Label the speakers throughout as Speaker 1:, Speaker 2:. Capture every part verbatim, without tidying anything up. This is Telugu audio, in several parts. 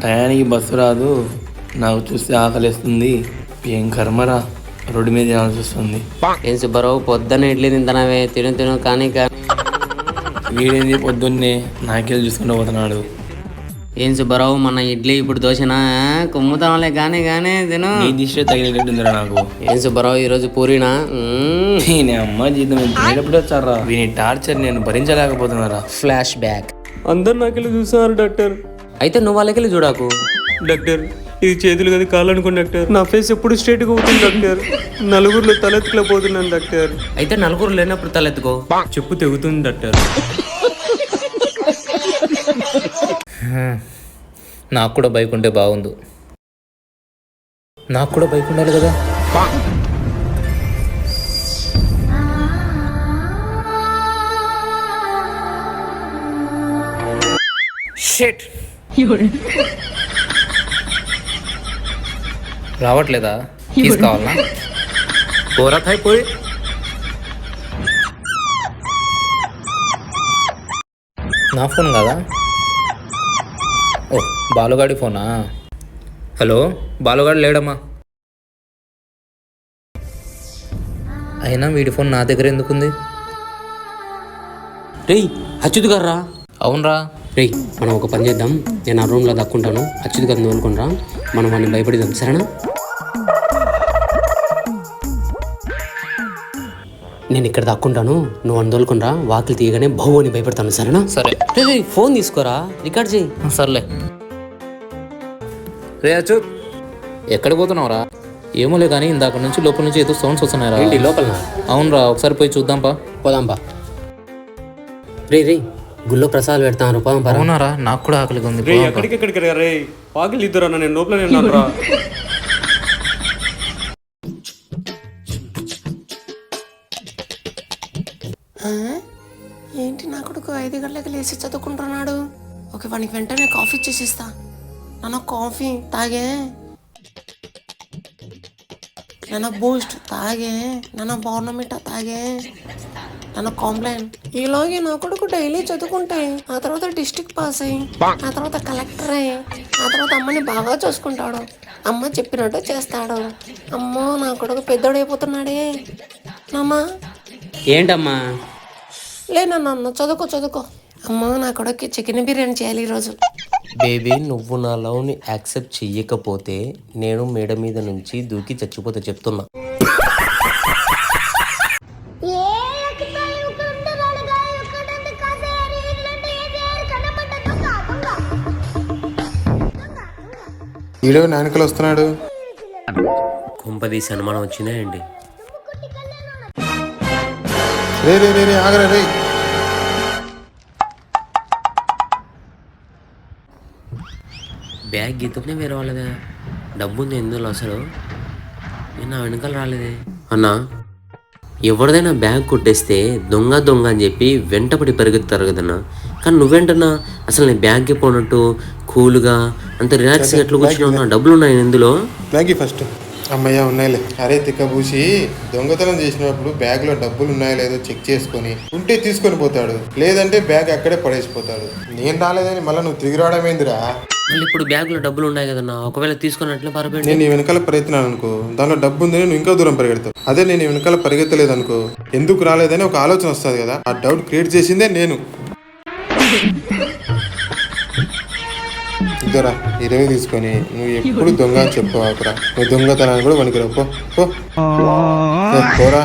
Speaker 1: టయానికి బస్సు రాదు, నాకు చూస్తే ఆకలిస్తుంది. ఏం కర్మరా, రోడ్డు మీద తినాల్సి వస్తుంది.
Speaker 2: ఏం సుబ్బారావు పొద్దున్న ఇడ్లీ తింటానవే, తిను తిను కానీ కానీ
Speaker 1: వీడేంది పొద్దున్నే నాకేళ్ళు చూసుకుంటూ పోతున్నాడు.
Speaker 2: ఏం సుబ్బారావు మన ఇడ్లీ ఇప్పుడు దోశనా? కుమ్ముతాంలే కానీ కానీ తిను.
Speaker 1: నీ దిష్టి తగిలేటట్టుందిరా నాకు.
Speaker 2: ఏం సుబ్బారావు ఈరోజు పూరినా? మ్మ్.
Speaker 1: నేను అమ్మ జీతం ఎప్పుడు వచ్చారా? వీని టార్చర్ నేను భరించలేకపోతున్నారా.
Speaker 2: Flash back.
Speaker 3: అందరు నాకెళ్ళి చూసారు డాక్టర్.
Speaker 2: అయితే నువ్వు వాళ్ళకెళ్ళి చూడాకు.
Speaker 3: డాక్టర్ ఇది చేతులు కదా కాళ్ళు అనుకోండి డాక్టర్. నా ఫేస్ ఎప్పుడు స్ట్రేట్గా అవుతుంది డాక్టర్. నలుగురిలో తలెత్తుకుపోతున్నాను డాక్టర్.
Speaker 2: అయితే నలుగురు లేనప్పుడు తలెత్తుకో.
Speaker 3: చెప్పు తెగుతుంది డాక్టర్.
Speaker 4: నాకు కూడా బైక్ ఉంటే బాగుండు. నాకు కూడా బైక్ ఉండాలి కదా. షిట్. రావట్లేదా? తీసుకోవాలనా? పోరా పోయి. నా ఫోన్ కదా. ఓ బాలుగాడి ఫోనా? హలో, బాలుగాడు లేడమ్మా. అయినా వీడి ఫోన్ నా దగ్గర ఎందుకుంది?
Speaker 2: రేయ్ అచ్యుత్ గారా.
Speaker 4: అవునరా.
Speaker 2: రేయ్ మనం ఒక పని చేద్దాం, నేను ఆ రూమ్లో దక్కుంటాను, అచ్యుత్ గారిని తోలుకుంటా, మనం వాడిని భయపడిద్దాం సరేనా? నేను ఇక్కడ దక్కుంటాను, నువ్వు వాడిని తోలుకుంటా, వాకిలి తీయగానే బహు అని భయపడతాను సరేనా?
Speaker 4: సరే.
Speaker 2: రే ఫోన్ తీసుకోరా, రికార్డ్ చేయి.
Speaker 4: సర్లే. రే అచ్చు, ఎక్కడికి పోతున్నావురా? ఏమోలే కానీ ఇందాక నుంచి లోపల నుంచి ఏదో సౌండ్స్ వస్తున్నాయిరా.
Speaker 2: ఏంటి లోపల?
Speaker 4: అవునరా, ఒకసారి పోయి చూద్దాంపా.
Speaker 2: పోదాంపా. రే రే గుళ్ళో ప్రసాదాలు పెడతాను, పోదాం పరా.
Speaker 4: అవునారా, నాకు కూడా ఆకలిగా ఉంది.
Speaker 3: రే ఎక్కడికి ఎక్కడికి రే వాకిలి ఇద్దరు అన్న, నేను లోపల నేను రా.
Speaker 5: ఏంటి నా కొడుకు ఐదు గంటలకి లేచి చదువుకుంటున్నాడు? ఓకే వానికి వెంటనే కాఫీ ఇచ్చేసిస్తా. నాన్న కాఫీ తాగే, నాన్న బూస్ట్ తాగే, నాన్న బోర్నమిటా తాగే, నాన్న కాంప్లైన్. ఇలాగే నా కొడుకు డైలీ చదువుకుంటే ఆ తర్వాత డిస్ట్రిక్ట్ పాస్ అయ్యి ఆ తర్వాత కలెక్టర్ అయ్యి ఆ తర్వాత అమ్మని బాగా చూసుకుంటాడు, అమ్మ చెప్పినట్టు చేస్తాడు. అమ్మో నా కొడుకు పెద్దోడైపోతున్నాడే. నాన్న
Speaker 2: ఏంటమ్మా?
Speaker 5: లేనన్న చదువుకో చదువుకో. అమ్మ నా కొడుక్కి చికెన్ బిర్యానీ చేయాలి ఈరోజు.
Speaker 6: బేబీ నువ్వు నా లవ్ని యాక్సెప్ట్ చెయ్యకపోతే నేను మేడ మీద నుంచి దూకి చచ్చిపోతే చెప్తున్నా.
Speaker 7: ఈడో నాయనకలు వస్తున్నాడు.
Speaker 6: కుంపదీసి అనుమానం వచ్చిందా అండి?
Speaker 7: రే రే రే రే ఆగరా రే.
Speaker 6: బ్యాగ్ గీతనే వేరే వాళ్ళదా? డబ్బు ఉంది ఎందులో అసలు? నేను నా వెనకాల రాలేదే అన్నా. ఎవరిదైనా బ్యాగ్ కొట్టేస్తే దొంగ దొంగ అని చెప్పి వెంటపడి పెరుగుతారు కదన్నా, కానీ నువ్వేంటన్నా అసలు నేను బ్యాగ్కి పోనట్టు కూల్గా అంత రిలాక్స్గా ఎట్లా కూర్చున్నా? డబ్బులు ఉన్నాయి ఇందులో?
Speaker 7: Bag first. అమ్మయ్య ఉన్నాయిలే. అరే తిక్కబూసి దొంగతనం చేసినప్పుడు బ్యాగ్ లో డబ్బులు ఉన్నాయో లేదో చెక్ చేసుకొని ఉంటే తీసుకొని పోతాడు, లేదంటే బ్యాగ్ అక్కడే పడేసిపోతాడు. నేను రాలేదని మళ్ళీ నువ్వు తిరిగి రావడం ఏందిరా?
Speaker 6: మళ్ళీ ఇప్పుడు బ్యాగ్ లో డబ్బులు ఉన్నాయి కదన్నా, ఒకవేళ తీసుకున్నట్లే పరపేంటి.
Speaker 7: నేను నీ వెనకాల పరిగెత్తినాను అనుకో, దానిలో డబ్బు ఉందని నువ్వు ఇంకా దూరం పరిగెడతావు. అదే నేను వెనకాల పరిగెత్తలేదు అనుకో, ఎందుకు రాలేదని ఒక ఆలోచన వస్తుంది కదా, ఆ డౌట్ క్రియేట్ చేసిందే నేను. ఇద్దరా ఇరవై తీసుకొని నువ్వు ఎప్పుడు దొంగ అని చెప్పుకోవాకురా. నువ్వు దొంగతనాన్ని కూడా వణికిరా. పోరా.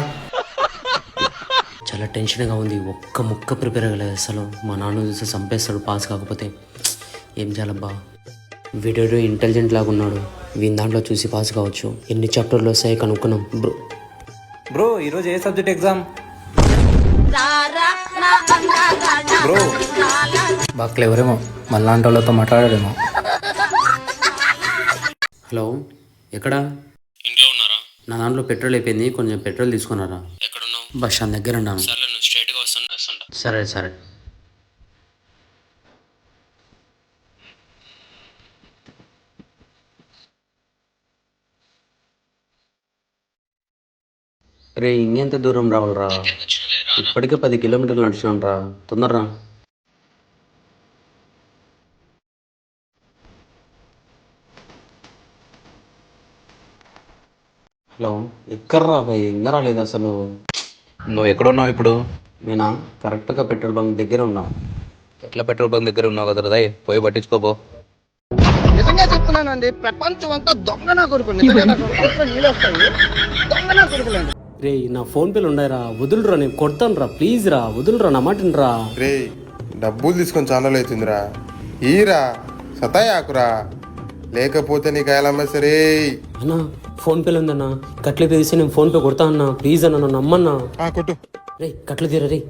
Speaker 2: చాలా టెన్షన్గా ఉంది, ఒక్క ముక్క ప్రిపేర్ అవ్వలేదు అసలు. మా నాన్న చూస్తే చంపేస్తాడు పాస్ కాకపోతే. ఏం చేయాలబ్బా? వీడియో ఇంటెలిజెంట్ లాగా ఉన్నాడు, వీని దాంట్లో చూసి పాస్ కావచ్చు. ఎన్ని చాప్టర్లు వస్తాయి కనుక్కున్నాం. బ్రో
Speaker 4: బ్రో ఈరోజు ఏ సబ్జెక్ట్ ఎగ్జామ్? బ్రో బాగా ఎవరేమో మళ్ళాంటి వాళ్ళతో మాట్లాడాడేమో.
Speaker 2: హలో ఎక్కడా?
Speaker 6: ఇంట్లో ఉన్నారా?
Speaker 2: నా దాంట్లో పెట్రోల్ అయిపోయింది, కొంచెం పెట్రోల్ తీసుకున్నారా?
Speaker 6: ఎక్కడున్నావు?
Speaker 2: బస్ స్టాండ్ దగ్గర ఉన్నాను.
Speaker 6: సరే నువ్వు స్ట్రైట్గా వస్తున్నా.
Speaker 2: సరే సరే. రే ఇంకెంత దూరం రావాలరా? ఇప్పటికే పది కిలోమీటర్లు నడిచినాను రా, తొందరరా. హలో ఎక్కడ్రా భయ్ ఇంకా రాలేదు అసలు.
Speaker 4: నువ్వు ఎక్కడున్నావు ఇప్పుడు?
Speaker 2: నేనా కరెక్ట్గా పెట్రోల్ బంక్ దగ్గర ఉన్నా.
Speaker 4: ఎట్లా పెట్రోల్ బంక్ దగ్గర ఉన్నావు కదా రై, పోయి పట్టించుకోపో.
Speaker 2: రే నా ఫోన్ పేలు ఉన్నాయిరా, వదులురా, నేను కొడతాను రా, ప్లీజ్ రా, వదులురా, నా మాట రా.
Speaker 7: రే డబ్బులు తీసుకొని ఛానల్ అవుతుందిరా, ఈరా సతాయాకురా, లేకపోతే నీకు అయ్యాలమ్మా సరే.
Speaker 2: అన్నా ఫోన్ పేలు ఉందన్నా, కట్లే తీసి నేను ఫోన్ పే కొడతా అన్నా, ప్లీజ్ అన్న, నన్ను నమ్మన్నా.
Speaker 7: కొట్టు.
Speaker 2: రే కట్లు తీరా రే.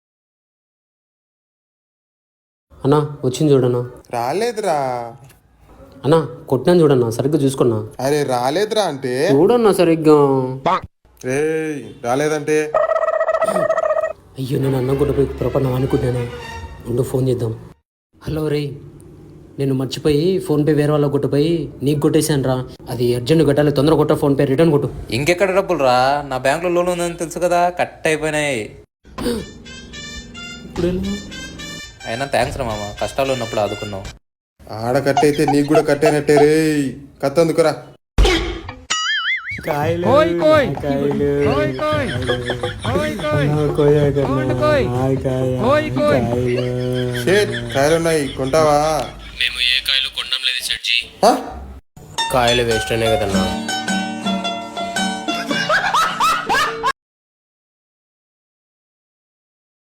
Speaker 2: అన్నా వచ్చింది చూడన్నా.
Speaker 7: రాలేదురా.
Speaker 2: అన్నా కొట్టినాను చూడన్నా, సరిగ్గా చూసుకున్నా.
Speaker 7: అరే రాలేదురా అంటే
Speaker 2: చూడన్నా సరిగ్గా.
Speaker 7: రే రాలేదంటే
Speaker 2: అయ్యో నేను అన్నం కొట్టపోయి పొరపడినా అనుకుంటున్నాను. ఉండు ఫోన్ చేద్దాం. హలో రే, నేను మర్చిపోయి ఫోన్పే వేరే వాళ్ళకి కొట్టిపోయి నీకు కొట్టేశాను రా. అది అర్జెంట్ కట్టాలి, తొందర కొట్ట, ఫోన్పే రిటర్న్ కొట్టు.
Speaker 4: ఇంకెక్కడ డబ్బులు రా? నా బ్యాంకులో లోన్ ఉందని తెలుసు కదా, కట్ అయిపోయినాయి.
Speaker 2: ఇప్పుడు ఎలా?
Speaker 4: అయినా థ్యాంక్స్ రా మామ, కష్టాలు ఉన్నప్పుడు ఆదుకున్నావు.
Speaker 7: ఆడ కట్టయితే నీకు కూడా కట్టేనట్టే రే. కత్తందుకురా. షేట్ కాయలున్నాయి, కొంటావా?
Speaker 6: మేము ఏ కాయలు కొనడం లేదు సెట్జీ.
Speaker 7: హ?
Speaker 6: కాయలు వేస్ట్ అనే కదన్నా.